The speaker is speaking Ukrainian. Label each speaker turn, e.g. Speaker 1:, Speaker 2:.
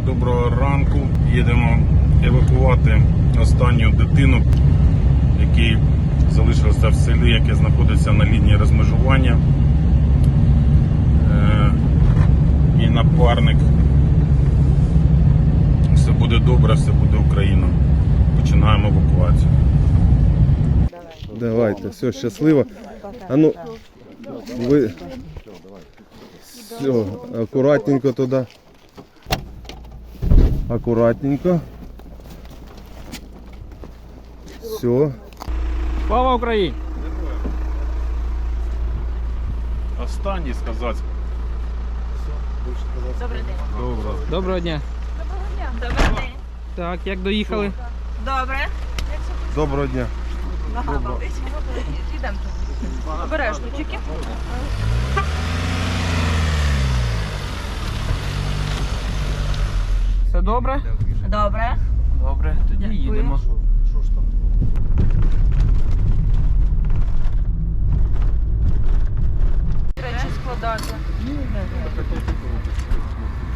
Speaker 1: доброго ранку. Їдемо евакувати останню дитину, який залишився в селі, яке знаходиться на лінії розмежування. І напарник. Все буде добре, все буде Україна. Починаємо евакуацію.
Speaker 2: Давайте, все, щасливо. А ну, ви... Все, акуратненько туди. Акуратненько. Все.
Speaker 3: Слава Україні!
Speaker 1: Останній сказати.
Speaker 4: Добрий день.
Speaker 3: Доброго дня.
Speaker 4: Добрий день.
Speaker 3: Так, як доїхали?
Speaker 4: Добре.
Speaker 2: Доброго дня.
Speaker 4: Нога болить. Йдемо. Обережно, тільки.
Speaker 3: Все добре?
Speaker 4: Добре.
Speaker 3: Добре, тоді
Speaker 4: Дякую.
Speaker 3: їдемо.
Speaker 4: Речі складати.